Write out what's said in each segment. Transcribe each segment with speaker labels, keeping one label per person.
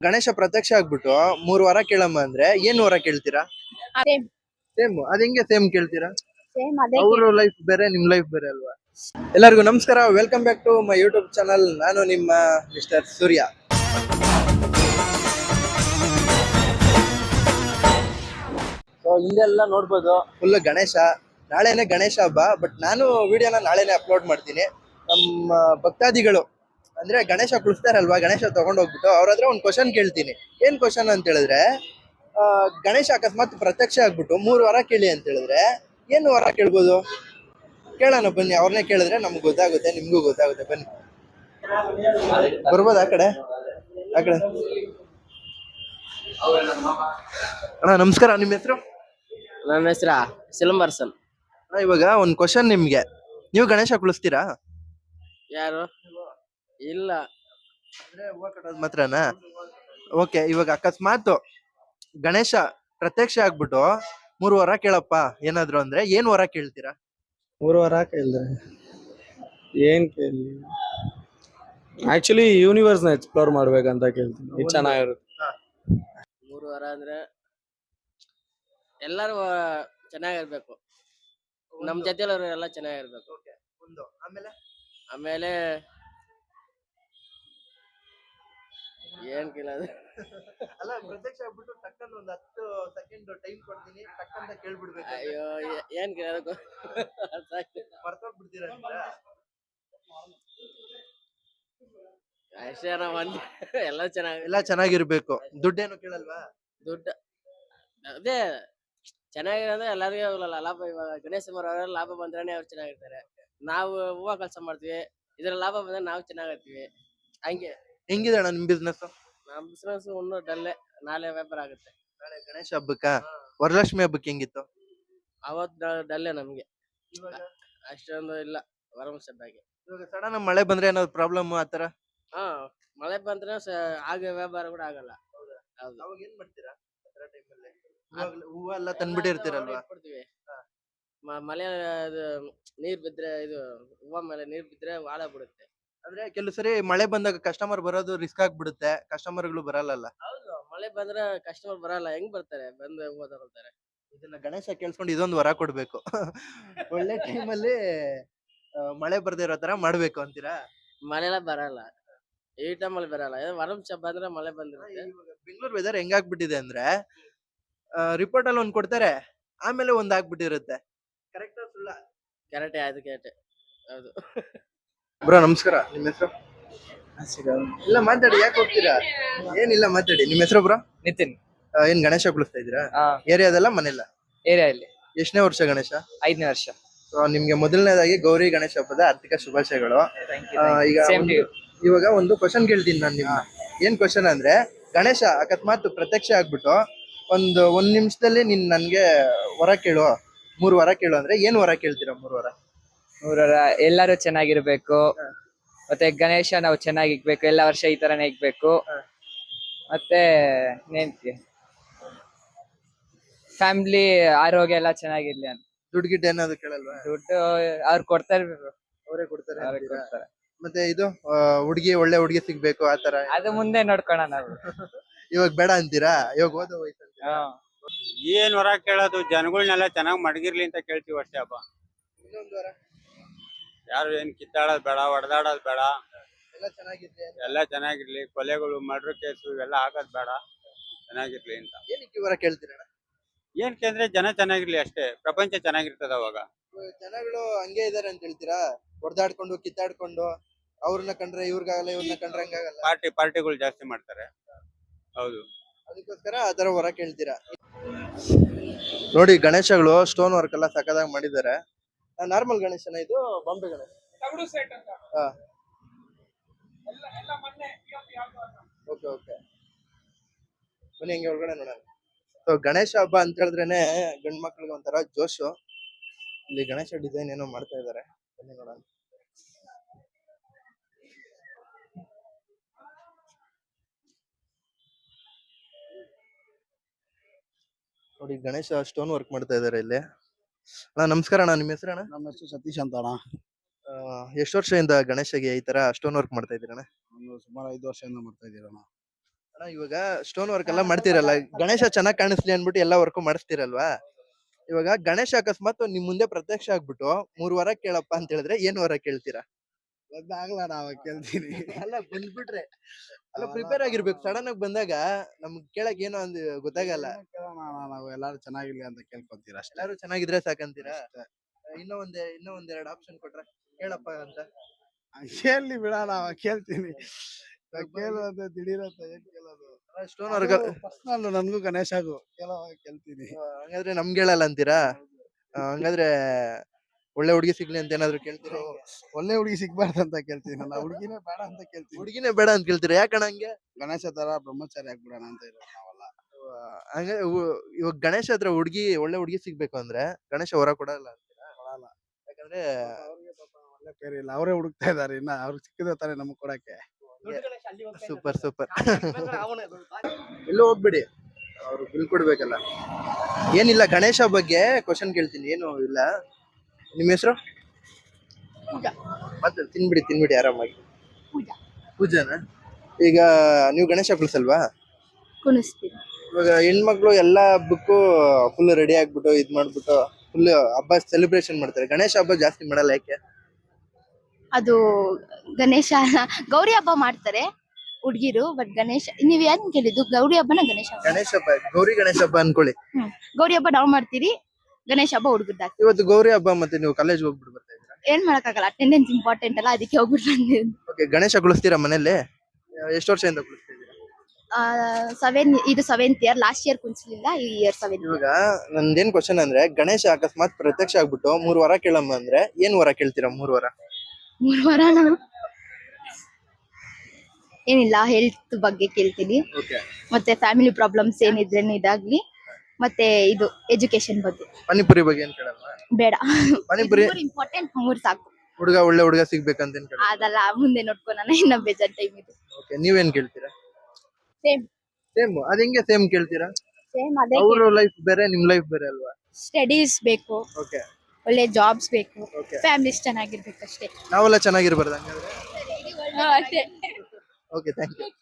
Speaker 1: ಗಣೇಶ ಪ್ರತ್ಯಕ್ಷ ಆಗ್ಬಿಟ್ಟು 3 ವಾರ ಕೇಳಮ್ಮ ಅಂದ್ರೆ ಏನ್ ವರ ಕೇಳ್ತೀರಾ?
Speaker 2: ಸೇಮ್
Speaker 1: ಸೇಮ್ ಅದ್ ಹೆಂಗೆ ಸೇಮ್ ಕೇಳ್ತೀರಾ?
Speaker 2: ಸೇಮ್ ಅದೇ
Speaker 1: ಅವ್ರ ಲೈಫ್ ಬೇರೆ ನಿಮ್ ಲೈಫ್ ಬೇರೆ ಅಲ್ವಾ? ಎಲ್ಲರಿಗೂ ನಮಸ್ಕಾರ, welcome back to my YouTube channel. ನಾನು ನಿಮ್ಮ ಮಿಸ್ಟರ್ ಸೂರ್ಯ. ಸೊ ಹಿಂದೆಲ್ಲ ನೋಡ್ಬೋದು ಫುಲ್ ಗಣೇಶ. ನಾಳೆನೆ ಗಣೇಶ ಹಬ್ಬ, ಬಟ್ ನಾನು ವಿಡಿಯೋನ ನಾಳೆನೆ ಅಪ್ಲೋಡ್ ಮಾಡ್ತೀನಿ. ನಮ್ಮ ಭಕ್ತಾದಿಗಳು ಅಂದ್ರೆ ಗಣೇಶ ಕುಳಿಸ್ತಾರಲ್ವಾ, ಗಣೇಶ ತಗೊಂಡೋಗ್ಬಿಟ್ಟು ಅವ್ರ ಹತ್ರ ಒಂದು ಕ್ವಶನ್ ಕೇಳ್ತೀನಿ. ಏನ್ ಕ್ವಶನ್ ಅಂತ ಹೇಳಿದ್ರೆ, ಗಣೇಶ ಅಕಸ್ಮಾತ್ ಪ್ರತ್ಯಕ್ಷ ಆಗ್ಬಿಟ್ಟು 3 ವಾರ ಕೇಳಿ ಅಂತ ಹೇಳಿದ್ರೆ ಏನು ವರ ಕೇಳ್ಬೋದು? ಕೇಳೋಣ ಬನ್ನಿ, ಅವ್ರನ್ನೇ ಕೇಳಿದ್ರೆ ನಮ್ಗೆ ಗೊತ್ತಾಗುತ್ತೆ, ನಿಮ್ಗೂ ಗೊತ್ತಾಗುತ್ತೆ. ಬನ್ನಿ, ಬರ್ಬೋದು ಆ ಕಡೆ ಆ ಕಡೆ. ಅಣ್ಣ ನಮಸ್ಕಾರ, ನಿಮ್ಮ ಹೆಸರು?
Speaker 3: ನನ್ನ ಹೆಸರ ಸಿಲಂಬರ್ಸನ್.
Speaker 1: ಇವಾಗ ಒಂದು ಕ್ವಶನ್ ನಿಮ್ಗೆ, ನೀವು ಗಣೇಶ ಕುಳಿಸ್ತೀರಾ?
Speaker 3: ಯಾರು? ಇಲ್ಲ.
Speaker 1: ಅಂದ್ರೆ ಹೂವ ಕಟ್ಟೋದು ಮಾತ್ರನಾ? ಓಕೆ, ಇವಾಗ ಅಕಸ್ಮಾತ್ ಗಣೇಶ ಪ್ರತ್ಯಕ್ಷ ಆಗ್ಬಿಟ್ಟು 3 ವಾರ ಕೇಳಪ್ಪ ಏನಾದ್ರು ಅಂದ್ರೆ ಏನ್ ವರ ಕೇಳ್ತೀರಾ?
Speaker 4: 3 ವಾರ ಕೇಳಿದ್ರೆ ಏನ್ ಕೇಳಿ, ಆಕ್ಚುಲಿ ಯೂನಿವರ್ಸ್ ನ ಎಕ್ಸ್ಪ್ಲೋರ್ ಮಾಡ್ಬೇಕಂತ ಕೇಳ್ತೀನಿ. ಇದು ಚೆನ್ನಾಗಿರುತ್ತೆ.
Speaker 3: 3 ವಾರ ಅಂದ್ರೆ ಎಲ್ಲರೂ ಚೆನ್ನಾಗಿರ್ಬೇಕು, ನಮ್ ಜೊತೆಲವ್ರು ಎಲ್ಲ ಚೆನ್ನಾಗಿರ್ಬೇಕು.
Speaker 1: ಒಂದು ಆಮೇಲೆ
Speaker 3: ಆಮೇಲೆ ಏನ್ ಕೇಳೋದು?
Speaker 1: ಅಲ್ಲ, ಪ್ರತ್ಯಕ್ಷ ಆಗ್ಬಿಟ್ಟು ಟಕ್ಕಂತ ಒಂದು 10 ಸೆಕೆಂಡ್ ಟೈಮ್ ಕೊಡ್ತೀನಿ, ಟಕ್ಕಂತ ಕೇಳ್ಬಿಡ್ಬೇಕು.
Speaker 3: ಅಯ್ಯೋ, ಏನ್ ಕೇಳೋದು?
Speaker 1: ಮರ್ತೋಗ್ಬಿಡ್ತೀರಾ?
Speaker 3: ಅಷ್ಟೇ ನಾವ್ ಎಲ್ಲ ಚೆನ್ನಾಗಿ.
Speaker 1: ಎಲ್ಲ ಚೆನ್ನಾಗಿರ್ಬೇಕು. ದುಡ್ಡೇನು ಕೇಳಲ್ವಾ?
Speaker 3: ದುಡ್ಡು ಅದೇ ಚೆನ್ನಾಗಿರೋದ್ರೆ ಎಲ್ಲರಿಗೂ ಲಾಭ. ಇವಾಗ ಗಣೇಶ ಅವರೆಲ್ಲ ಲಾಭ ಬಂದ್ರೆ ಅವ್ರು ಚೆನ್ನಾಗಿರ್ತಾರೆ. ನಾವು ಹೂವ ಕೆಲಸ ಮಾಡ್ತೀವಿ, ಇದ್ರ ಲಾಭ ಬಂದ್ರೆ ನಾವು ಚೆನ್ನಾಗಿರ್ತೀವಿ. ಹಂಗೆ
Speaker 1: ಹೆಂಗಿದೆ ಅಣ್ಣ ನಿಮ್ ಬಿಸ್ನೆಸ್?
Speaker 3: ನಮ್ ಬಿಸ್ನೆಸ್ ಇನ್ನೂ ಡಲ್ಲೆ. ನಾಳೆ ವ್ಯಾಪಾರ ಆಗುತ್ತೆ.
Speaker 1: ನಾಳೆ ಗಣೇಶ ಹಬ್ಬಕ್ಕ, ವರಲಕ್ಷ್ಮಿ ಹಬ್ಬಕ್ಕೆ ಹೆಂಗಿತ್ತು?
Speaker 3: ಅವತ್ ಡಲ್ಲೆ ನಮ್ಗೆ. ಅಷ್ಟೊಂದು ಇಲ್ಲ ವರಮಸದ್ದಾಗಿ.
Speaker 1: ಇವಾಗ ಸಡನ್ ಮಳೆ ಬಂದ್ರೆ ಏನಾದ್ರು ಪ್ರಾಬ್ಲಮ್ ಆತರ?
Speaker 3: ಹಾ, ಮಳೆ ಬಂದ್ರೆ ಆಗ ವ್ಯಾಪಾರ ಕೂಡ ಆಗಲ್ಲ. ಹೌದು.
Speaker 1: ಅವಾಗ ಏನ್ ಮಾಡ್ತೀರಾ ಆತರ ಟೈಮಲ್ಲಿ? ಹೂವ ಎಲ್ಲ ತಂದ್ಬಿಟ್ಟಿರ್ತೀರಲ್ವಾ?
Speaker 3: ಕೊಡ್ತೀವಿ. ಮಳೆ ನೀರ್ ಬಿದ್ರೆ, ಇದು ಹೂವ ಮೇಲೆ ನೀರ್ ಬಿದ್ರೆ ವಾಳ ಬಿಡುತ್ತೆ.
Speaker 1: ಅಂದ್ರೆ ಕೆಲವು ಸರಿ ಮಳೆ ಬಂದಾಗ ಕಸ್ಟಮರ್ ಬರೋದು ರಿಸ್ಕ್ ಆಗ್ಬಿಡುತ್ತೆ, ಕಸ್ಟಮರ್ಗಳು ಬರಲ್ಲ.
Speaker 3: ಹೌದು, ಮಳೆ ಬಂದ್ರೆ ಕಸ್ಟಮರ್ ಬರಲ್ಲ. ಹೆಂಗ್ ಬರ್ತಾರೆ? ಬಂದು ಹೂವ ತಗೊಳ್ತಾರೆ.
Speaker 1: ಇದನ್ನ ಗಣೇಶ ಕೇಳಿಸ್ಕೊಂಡು ಇದೊಂದು ವರ ಕೊಡ್ಬೇಕು. ಒಳ್ಳೆ ಟೈಮಲ್ಲಿ ಮಳೆ ಬರ್ದೇ ಇರೋ ತರ ಮಾಡ್ಬೇಕು ಅಂತೀರಾ?
Speaker 3: ಮಳೆಲ್ಲ ಬರಲ್ಲ, ಈ ಟೈಮಲ್ಲಿ ಬರಲ್ಲ. ವರಮಸ ಬಂದ್ರೆ ಮಳೆ ಬಂದಿರುತ್ತೆ.
Speaker 1: ಇವಾಗ ಬೆಂಗಳೂರು ವೆದರ್ ಹೆಂಗಾಗ್ಬಿಟ್ಟಿದೆ ಅಂದ್ರೆ, ರಿಪೋರ್ಟ್ ಅಲ್ಲಿ ಒಂದ್ ಕೊಡ್ತಾರೆ, ಆಮೇಲೆ ಒಂದ್ ಆಗ್ಬಿಟ್ಟಿರುತ್ತೆ. ಕರೆಕ್ಟ್ ಸುಳ್ಳ?
Speaker 3: ಕರೆಕ್ಟೇ, ಆಯ್ತು ಕೇಟೆ. ಹೌದು.
Speaker 1: ಬ್ರೋ ನಮಸ್ಕಾರ, ನಿಮ್ಮ ಹೆಸರು? ಇಲ್ಲ ಮಾತಾಡಿ, ಯಾಕೆ ಹೋಗ್ತೀರಾ? ಏನಿಲ್ಲ ಮಾತಾಡಿ. ನಿಮ್ಮ ಹೆಸರು ಬ್ರೋ?
Speaker 5: ನಿತಿನ್.
Speaker 1: ಏನ್ ಗಣೇಶ ಕುಳಿಸ್ತಾ ಇದ್ದೀರಾ? ಏರಿಯಾದಲ್ಲ ಮನೆಯಲ್ಲ?
Speaker 5: ಏರಿಯಾ ಇಲ್ಲಿ
Speaker 1: ಎಷ್ಟನೇ ವರ್ಷ ಗಣೇಶ?
Speaker 5: 5ನೇ ವರ್ಷ.
Speaker 1: ನಿಮ್ಗೆ ಮೊದಲನೇದಾಗಿ ಗೌರಿ ಗಣೇಶ ಹಬ್ಬದ ಆರ್ಥಿಕ ಶುಭಾಶಯಗಳು. ಈಗ ಇವಾಗ ಒಂದು ಕ್ವಶನ್ ಕೇಳ್ತೀನಿ ನಾನು ನಿಮ್ಮ. ಏನ್ ಕ್ವಶನ್ ಅಂದ್ರೆ, ಗಣೇಶ ಅಕಸ್ಮಾತ್ ಪ್ರತ್ಯಕ್ಷ ಆಗ್ಬಿಟ್ಟು ಒಂದ್ ನಿಮಿಷದಲ್ಲಿ ನೀನ್ ನನ್ಗೆ ವರ ಕೇಳು, 3 ವಾರ ಕೇಳು ಅಂದ್ರೆ ಏನ್ ವರ ಕೇಳ್ತೀರಾ? 3 ವಾರ
Speaker 5: ಎಲ್ಲರೂ ಚೆನ್ನಾಗಿರ್ಬೇಕು, ಮತ್ತೆ ಗಣೇಶ ನಾವು ಚೆನ್ನಾಗಿ ಇಕ್ಬೇಕು, ಎಲ್ಲ ವರ್ಷ ಈ ತರನೇ ಇಕ್ಬೇಕು. ಮತ್ತೆ ಫ್ಯಾಮಿಲಿ ಆರೋಗ್ಯ ಎಲ್ಲ ಚೆನ್ನಾಗಿರ್ಲಿ ಅಂತ.
Speaker 1: ದುಡ್ಡು ಗಿಡ್ಡು ಏನಾದ್ರು ಕೇಳಲ್ವಾ?
Speaker 5: ದುಡ್ಡು ಅವ್ರು ಕೊಡ್ತಾರೆ,
Speaker 1: ಅವರೇ ಕೊಡ್ತಾರೆ
Speaker 5: ಅವ್ರಿಗೆ
Speaker 1: ಅಂತೀರಾ?
Speaker 5: ಕೊಡ್ತಾರೆ.
Speaker 1: ಮತ್ತೆ ಇದು ಒಳ್ಳೆ ಹುಡುಗಿ ಸಿಗ್ಬೇಕು ಆತರ?
Speaker 5: ಅದು ಮುಂದೆ ನೋಡ್ಕೋಣ ನಾವು.
Speaker 1: ಇವಾಗ ಬೇಡ ಅಂತೀರಾ? ಇವಾಗ ಓದೋ ವಯಸ್ಸು ಅಂತೀರಾ?
Speaker 6: ಏನ್ ವರ ಕೇಳೋದು, ಜನಗಳನ್ನೆಲ್ಲ ಚೆನ್ನಾಗ್ ಮಡಗಿರ್ಲಿ ಅಂತ ಕೇಳ್ತೀವಿ ಅಷ್ಟೇ ಹಬ್ಬ.
Speaker 1: ಇನ್ನೊಂದು ವಾರ
Speaker 6: ಯಾರು ಏನ್ ಕಿತ್ತಾಡೋದ್ ಬೇಡ, ಹೊಡೆದಾಡೋದ್ ಬೇಡ,
Speaker 1: ಎಲ್ಲ ಚೆನ್ನಾಗಿರ್ಲಿ ಅಂತ.
Speaker 6: ಎಲ್ಲ ಚೆನ್ನಾಗಿರ್ಲಿ. ಕೊಲೆಗಳು, ಮರ್ಡರ್ ಕೇಸು ಇವೆಲ್ಲ ಆಗೋದ್ ಬೇಡ, ಚೆನ್ನಾಗಿರ್ಲಿ ಅಂತ.
Speaker 1: ಏನಕ್ಕೆ ಈ ವಾರ ಕೇಳ್ತೀರಣ್ಣ?
Speaker 6: ಏನಕ್ಕೆ ಅಂದ್ರೆ ಜನ ಚೆನ್ನಾಗಿರ್ಲಿ ಅಷ್ಟೇ, ಪ್ರಪಂಚ ಚೆನ್ನಾಗಿರ್ತದ ಅವಾಗ.
Speaker 1: ಜನಗಳು ಹಂಗೆ ಇದಾರೆ ಅಂತ ಹೇಳ್ತೀರಾ? ಹೊಡೆದಾಡ್ಕೊಂಡು ಕಿತ್ತಾಡ್ಕೊಂಡು, ಅವ್ರನ್ನ ಕಂಡ್ರೆ ಇವ್ರಿಗಾಗಲ್ಲ, ಇವ್ರನ್ನ ಕಂಡ್ರೆ ಹಂಗಾಗಲ್ಲ,
Speaker 6: ಪಾರ್ಟಿಗಳು ಜಾಸ್ತಿ ಮಾಡ್ತಾರೆ. ಹೌದು,
Speaker 1: ಅದಕ್ಕೋಸ್ಕರ ಆತರ ವರ ಕೇಳ್ತೀರಾ? ನೋಡಿ, ಗಣೇಶಗಳು ಸ್ಟೋನ್ ವರ್ಕ್ ಎಲ್ಲ ಸಕ್ಕದಾಗಿ ಮಾಡಿದ್ದಾರೆ. ನಾರ್ಮಲ್ ಗಣೇಶನ ಇದು ಬಾಂಬೆ ಗಣೇಶ? ಹಾ, ಓಕೆ ಓಕೆ, ಬನ್ನಿ ಹಂಗೆ ಒಳಗಡೆ ನೋಡೋಣ. ಸೊ ಗಣೇಶ ಹಬ್ಬ ಅಂತ ಹೇಳಿದ್ರೇನೆ ಗಂಡ್ ಮಕ್ಳಿಗೆ ಒಂಥರ ಜೋಶು. ಇಲ್ಲಿ ಗಣೇಶ ಡಿಸೈನ್ ಏನೋ ಮಾಡ್ತಾ ಇದಾರೆ, ಬನ್ನಿ ನೋಡೋಣ. ನೋಡಿ, ಗಣೇಶ ಸ್ಟೋನ್ ವರ್ಕ್ ಮಾಡ್ತಾ ಇದಾರೆ ಇಲ್ಲಿ. ಅಣ್ಣ ನಮಸ್ಕಾರ ಅಣ್ಣ, ನಿಮ್ಮ ಹೆಸರು ಅಣ್ಣ?
Speaker 7: ನಮ್ಮ ಹೆಸರು ಸತೀಶ್ ಅಂತ ಅಣ್ಣ.
Speaker 1: ಎಷ್ಟು ವರ್ಷದಿಂದ ಗಣೇಶಗೆ ಈ ತರ ಸ್ಟೋನ್ ವರ್ಕ್ ಮಾಡ್ತಾ ಇದ್ದೀರಣ್ಣ?
Speaker 7: ಸುಮಾರು 5 ವರ್ಷದಿಂದ ಮಾಡ್ತಾ ಇದ್ದೀರಣ್ಣ.
Speaker 1: ಅಣ್ಣ, ಇವಾಗ ಸ್ಟೋನ್ ವರ್ಕ್ ಎಲ್ಲ ಮಾಡ್ತಿರಲ್ಲ, ಗಣೇಶ ಚೆನ್ನಾಗ್ ಕಾಣಿಸ್ಲಿ ಅನ್ಬಿಟ್ಟು ಎಲ್ಲ ವರ್ಕ್ ಮಾಡಿಸ್ತಿರಲ್ವಾ? ಇವಾಗ ಗಣೇಶ ಅಕಸ್ಮಾತ್ ನಿಮ್ ಮುಂದೆ ಪ್ರತ್ಯಕ್ಷ ಆಗ್ಬಿಟ್ಟು 3 ವರ ಕೇಳಪ್ಪ ಅಂತ ಹೇಳಿದ್ರೆ ಏನ್ ವರ ಕೇಳ್ತೀರಾ?
Speaker 2: ಗೊತ್ತಾಗ್ಲ ನಾವ್ ಕೇಳ್ತೀನಿ.
Speaker 1: ಅಲ್ಲ ಬಂದ್ಬಿಟ್ರೆ, ಅಲ್ಲ ಪ್ರಿಪೇರ್ ಆಗಿರ್ಬೇಕು. ಸಡನ್ ಆಗಿ ಬಂದಾಗ ನಮ್ಗ್ ಕೇಳಕ್ ಏನೋ ಅಂದ್ ಗೊತ್ತಾಗಲ್ಲ.
Speaker 2: ನಾವು ಎಲ್ಲಾರು ಚೆನ್ನಾಗಿರ್ಲಿ ಅಂತ ಕೇಳ್ಕೊಂತೀರ ಅಷ್ಟೇ.
Speaker 1: ಎಲ್ಲಾರು ಚೆನ್ನಾಗಿದ್ರೆ ಸಾಕಂತೀರಾ? ಇನ್ನೂ ಒಂದೆರಡು ಆಪ್ಷನ್ ಕೊಟ್ರೆ ಕೇಳಪ್ಪ ಅಂತ.
Speaker 2: ಕೇಳಿ ಬಿಡ ನಾವ್ ಕೇಳ್ತೀನಿ. ಕೇಳೋದು ದಿಢೀರಂತ ಏನ್ ಕೇಳೋದು?
Speaker 1: ಸ್ಟೋನ್ ವರ್ಕ್
Speaker 2: ಪರ್ಸನಲ್ ನನ್ಗೂ ಗಣೇಶಗೂ ಕೇಳ್ತೀನಿ.
Speaker 1: ಹಂಗಾದ್ರೆ ನಮ್ಗೆ ಹೇಳಲ್ಲ ಅಂತೀರಾ? ಹಂಗಾದ್ರೆ ಒಳ್ಳೆ ಹುಡುಗಿ ಸಿಗ್ಲಿ ಅಂತ ಏನಾದ್ರು ಕೇಳ್ತೀರಾ?
Speaker 2: ಒಳ್ಳೆ ಹುಡುಗಿ ಸಿಗ್ಬಾರ್ದು ಅಂತ ಕೇಳ್ತೀನಿ. ನಾನು ಹುಡುಗಿನೇ ಬೇಡ ಅಂತ ಕೇಳ್ತೀನಿ.
Speaker 1: ಹುಡುಗಿನೇ ಬೇಡ ಅಂತ ಕೇಳ್ತೀರಾ? ಯಾಕಣ್ಣ ಹಂಗೆ?
Speaker 2: ಗಣೇಶ ತರ ಬ್ರಹ್ಮಚಾರಿ ಆಗ್ಬಿಡೋಣ ಅಂತ ಇರೋದು ನಾವೆಲ್ಲ.
Speaker 1: ಹಂಗ ಇವಾಗ ಗಣೇಶ ಹತ್ರ ಒಳ್ಳೆ ಹುಡುಗಿ ಸಿಗ್ಬೇಕು ಅಂದ್ರೆ ಗಣೇಶ ವರ ಕೊಡಲ್ಲ ಅಂತೀರಾ?
Speaker 2: ಕೊಡಲ್ಲ.
Speaker 1: ಯಾಕಂದ್ರೆ
Speaker 2: ಅವ್ರಿಗೆ ಪಾಪ ಒಳ್ಳೆ ಪೇರು ಇಲ್ಲ, ಅವರೇ ಹುಡುಕ್ತಾ ಇದಾರೆ. ಇನ್ನ ಅವ್ರಿಗೆ ಸಿಕ್ಕಿದ್ರೆ ತಾನೇ ನಮಗ್ ಕೊಡಕ್ಕೆ.
Speaker 1: Super super. ಎಲ್ಲೂ ಹೋಗ್ಬಿಡಿ, ಅವ್ರು ಬಿಲ್ ಕೊಡ್ಬೇಕಲ್ಲ. ಏನಿಲ್ಲ, ಗಣೇಶ ಬಗ್ಗೆ ಕ್ವಶನ್ ಕೇಳ್ತೀನಿ, ಏನು ಇಲ್ಲ. ನಿಮ್ಮ ಹೆಸರು? ಮತ್ತೆ ತಿನ್ಬಿಡಿ ಆರಾಮಾಗಿ. ಪೂಜಾನ? ಈಗ ನೀವು ಗಣೇಶ ಕುಳ್ಸಲ್ವಾ?
Speaker 7: ಕುಣಿಸ್ತೀವಿ.
Speaker 1: ಇವಾಗ ಹೆಣ್ಮಕ್ಳು ಎಲ್ಲಾ ಹಬ್ಬಕ್ಕೂ ಫುಲ್ ರೆಡಿ ಆಗ್ಬಿಟ್ಟು ಇದ್ ಮಾಡ್ಬಿಟ್ಟು ಫುಲ್ ಹಬ್ಬ ಸೆಲೆಬ್ರೇಷನ್ ಮಾಡ್ತಾರೆ. ಗಣೇಶ ಹಬ್ಬ ಜಾಸ್ತಿ ಮಾಡಲ್ಲ, ಯಾಕೆ?
Speaker 7: ಅದು ಗಣೇಶ ಗೌರಿ ಹಬ್ಬ ಮಾಡ್ತಾರೆ ಹುಡ್ಗಿರು, ಬಟ್ ಗಣೇಶ ನೀವ್ ಏನ್ ಕೇಳಿದ್ದು? ಗೌರಿ ಹಬ್ಬನ ಗಣೇಶ ಹಬ್ಬ?
Speaker 1: ಗಣೇಶ ಹಬ್ಬ, ಗೌರಿ ಗಣೇಶ ಹಬ್ಬ ಅನ್ಕೊಳ್ಳಿ.
Speaker 7: ಗೌರಿ ಹಬ್ಬ ನಾವ್ ಮಾಡ್ತೀರಿ, ಗಣೇಶ ಹಬ್ಬ ಹುಡುಗರ್ದಾಗ್ತೀವಿ.
Speaker 1: ಇವತ್ತು ಗೌರಿ ಹಬ್ಬ ಮತ್ತೆ ನೀವು ಕಾಲೇಜ್ ಹೋಗ್ಬಿಟ್ಟು ಬರ್ತಾ ಇದ್ದೀರಾ?
Speaker 7: ಏನ್ ಮಾಡಕ್ಕಾಗಲ್ಲ, ಅಟೆಂಡೆನ್ಸ್ ಇಂಪಾರ್ಟೆಂಟ್ ಅಲ್ಲ, ಅದಕ್ಕೆ ಹೋಗ್ಬಿಟ್ಟು ಬಂದಿದ್ದು.
Speaker 1: ಓಕೆ, ಗಣೇಶ ಕುಳಿಸ್ತೀರಾ ಮನೇಲಿ? ಎಷ್ಟು ವರ್ಷದಿಂದ ಕುಳಿಸ್ತಾ ಇದ್ದೀರಾ?
Speaker 7: 7th ಇಯರ್, ಲಾಸ್ಟ್ ಇಯರ್ ಕುಣಿಸ್ಲಿಲ್ಲ, ಈ ಇಯರ್ 7th.
Speaker 1: ಇವಾಗ ನಂದೇನ್ ಕ್ವಶನ್ ಅಂದ್ರೆ, ಗಣೇಶ ಅಕಸ್ಮಾತ್ ಪ್ರತ್ಯಕ್ಷ ಆಗ್ಬಿಟ್ಟು 3 ವರ ಕೇಳಮ್ಮ ಅಂದ್ರೆ ಏನ್ ವರ ಕೇಳ್ತೀರಾ? 3 ವರ.
Speaker 7: 3 ವಾರ ಏನಿಲ್ಲ, ಹೆಲ್ತ್ ಬಗ್ಗೆ ಕೇಳ್ತೀನಿ,
Speaker 1: ಓಕೆ.
Speaker 7: ಮತ್ತೆ ಫ್ಯಾಮಿಲಿ ಪ್ರಾಬ್ಲಮ್ಸ್ ಏನಿದ್ರೆ ಇದಾಗ್ಲಿ, ಮತ್ತೆ ಇದು ಎಜುಕೇಶನ್ ಬಗ್ಗೆ.
Speaker 1: ಪಾನಿಪುರಿ ಬಗ್ಗೆ ಏನ್ ಕೇಳಲ್ವಾ?
Speaker 7: ಬೇಡ,
Speaker 1: ಪಾನಿಪುರಿ
Speaker 7: ಇಂಪಾರ್ಟೆಂಟ್ 3 ಸಾಕು.
Speaker 1: ಒಳ್ಳೆ ಹುಡುಗ ಸಿಗ್ಬೇಕಂತ ಏನ್ ಕೇಳಲ್ಲ?
Speaker 7: ಅದಲ್ಲ, ಮುಂದೆ ನೋಡ್ಕೊಳಣ, ಇನ್ನ ಬೇಜಾರ್ ಟೈಮ್ ಇದು.
Speaker 1: ಓಕೆ, ನೀವೇನ್ ಕೇಳ್ತೀರಾ?
Speaker 7: Same
Speaker 1: same. ಅದ್ ಹೆಂಗೆ ಸೇಮ್ ಕೇಳ್ತೀರಾ?
Speaker 7: ಸೇಮ್ ಅದೇ.
Speaker 1: ಅವ್ರ ಲೈಫ್ ಬೇರೆ, ನಿಮ್ ಲೈಫ್ ಬೇರೆ ಅಲ್ವಾ?
Speaker 7: ಸ್ಟಡೀಸ್ ಬೇಕು,
Speaker 1: ಓಕೆ
Speaker 7: ಒಳ್ಳೆ ಜಾಬ್ಸ್ ಬೇಕು,
Speaker 1: ಓಕೆ.
Speaker 7: ಫ್ಯಾಮಿಲೀಸ್ ಚೆನ್ನಾಗಿರ್ಬೇಕು ಅಷ್ಟೇ.
Speaker 1: ನಾವೆಲ್ಲ ಚೆನ್ನಾಗಿರ್ಬಾರ್ದು ಹಂಗಾದ್ರೆ?
Speaker 7: ಅಷ್ಟೇ.
Speaker 1: Okay, thank you.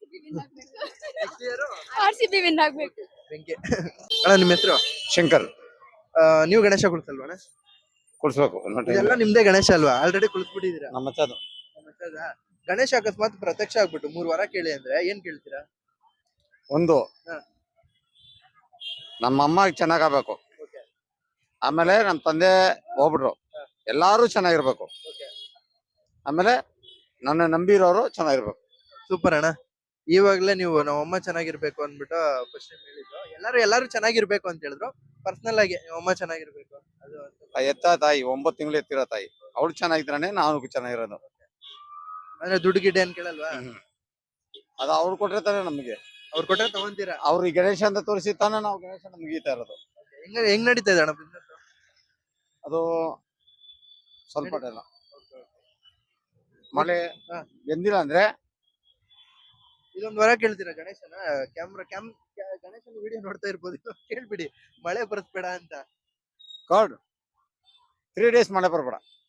Speaker 7: RCB win ಆಗ್ಬೇಕು.
Speaker 1: ಬೆಂಕಿ. ಅಣ್ಣ, ನಿಮ್ಮ ಹೆಸರು?
Speaker 8: ಶಂಕರ್
Speaker 1: ನೀವು ಗಣೇಶ ಕುಳ್ಸಲ್ವಾ?
Speaker 8: ಕೊಡ್ಸ್ಬೇಕು
Speaker 1: ಇದೆಲ್ಲ ನಿಮ್ದೇ ಗಣೇಶ ಅಲ್ವಾ? ಆಲ್ರೆಡಿ ಕುಳಿಸ್ಬಿಟ್ಟಿದ್ದೀರಾ?
Speaker 8: ನಮ್ಮ ಮಚ್ಚದು
Speaker 1: ಗಣೇಶ ಅಕಸ್ಮಾತ್ ಪ್ರತ್ಯಕ್ಷ ಆಗ್ಬಿಟ್ಟು 3 ವರ ಕೇಳಿ ಅಂದ್ರೆ ಏನ್ ಕೇಳ್ತೀರಾ?
Speaker 8: ಒಂದು
Speaker 1: ಹಾ.
Speaker 8: ನಮ್ಮ ಅಮ್ಮ ಚೆನ್ನಾಗಾಗಬೇಕು,
Speaker 1: ಓಕೆ
Speaker 8: ಆಮೇಲೆ ನಮ್ಮ ತಂದೆ ಹೋಗ್ಬಿಟ್ರು, ಎಲ್ಲಾರು ಚೆನ್ನಾಗಿರ್ಬೇಕು,
Speaker 1: ಓಕೆ.
Speaker 8: ಆಮೇಲೆ ನನ್ನ ನಂಬಿರೋರು ಚೆನ್ನಾಗಿರ್ಬೇಕು.
Speaker 1: ಸೂಪರ್ ಅಣ್ಣ. ಇವಾಗ್ಲೇ ನೀವು ನಮ್ಮಮ್ಮ ಚೆನ್ನಾಗಿರ್ಬೇಕು ಅಂದ್ಬಿಟ್ಟು ಫಸ್ಟ್ ಹೇಳಿದ್ರು. ಎಲ್ಲಾರು ಚೆನ್ನಾಗಿರ್ಬೇಕು ಅಂತ ಹೇಳಿದ್ರು. ಪರ್ಸನಲ್ ಆಗಿ ನಮ್ಮಮ್ಮ ಚೆನ್ನಾಗಿರ್ಬೇಕು ಅದು ಅಂತ.
Speaker 8: ಆ ಎತ್ತ ತಾಯಿ 9 ತಿಂಗಳು ಎತ್ತಿರೋ ತಾಯಿ, ಅವಳು ಚೆನ್ನಾಗಿದ್ರಾನೆ ನಾವು ಚೆನ್ನಾಗಿರೋದು.
Speaker 1: ಅಂದ್ರೆ ದುಡ್ಡು ಗಿಡ್ಡೆ ಏನ್ ಕೇಳಲ್ವಾ?
Speaker 8: ಅದು ಅವ್ರು ಕೊಟ್ರೆ ತಾನೆ ನಮಗೆ.
Speaker 1: ಅವ್ರು ಕೊಟ್ರೆ ತಗೊಂತೀರಾ?
Speaker 8: ಅವ್ರು ಈ ಗಣೇಶ ಅಂತ ತೋರಿಸಿ ತಾನೆ ನಾವು ಗಣೇಶ ನಮ್ಗೆ ಈತಾ ಇರೋದು.
Speaker 1: ಹೆಂಗ್ ನಡೀತಾ ಇದೆ ಅಣ್ಣ ಬಿಸ್ನೆಸ್?
Speaker 8: ಅದು ಸ್ವಲ್ಪ ಟೈಮ್ ಮಳೆ
Speaker 1: ಹಾ.
Speaker 8: ಎಂದಿಲ್ಲ ಅಂದ್ರೆ
Speaker 1: ಇದೊಂದು ವರ ಕೇಳ್ತೀರಾ ಗಣೇಶನ? ಗಣೇಶನ ವಿಡಿಯೋ ನೋಡ್ತಾ ಇರ್ಬೋದು, ಕೇಳ್ಬಿಡಿ ಮಳೆ ಬರ್ಸ್ಬೇಡ ಅಂತ.
Speaker 8: ಕಾರ್ಡ್ 3 days ಮಳೆ ಬರ್ಬೇಡ.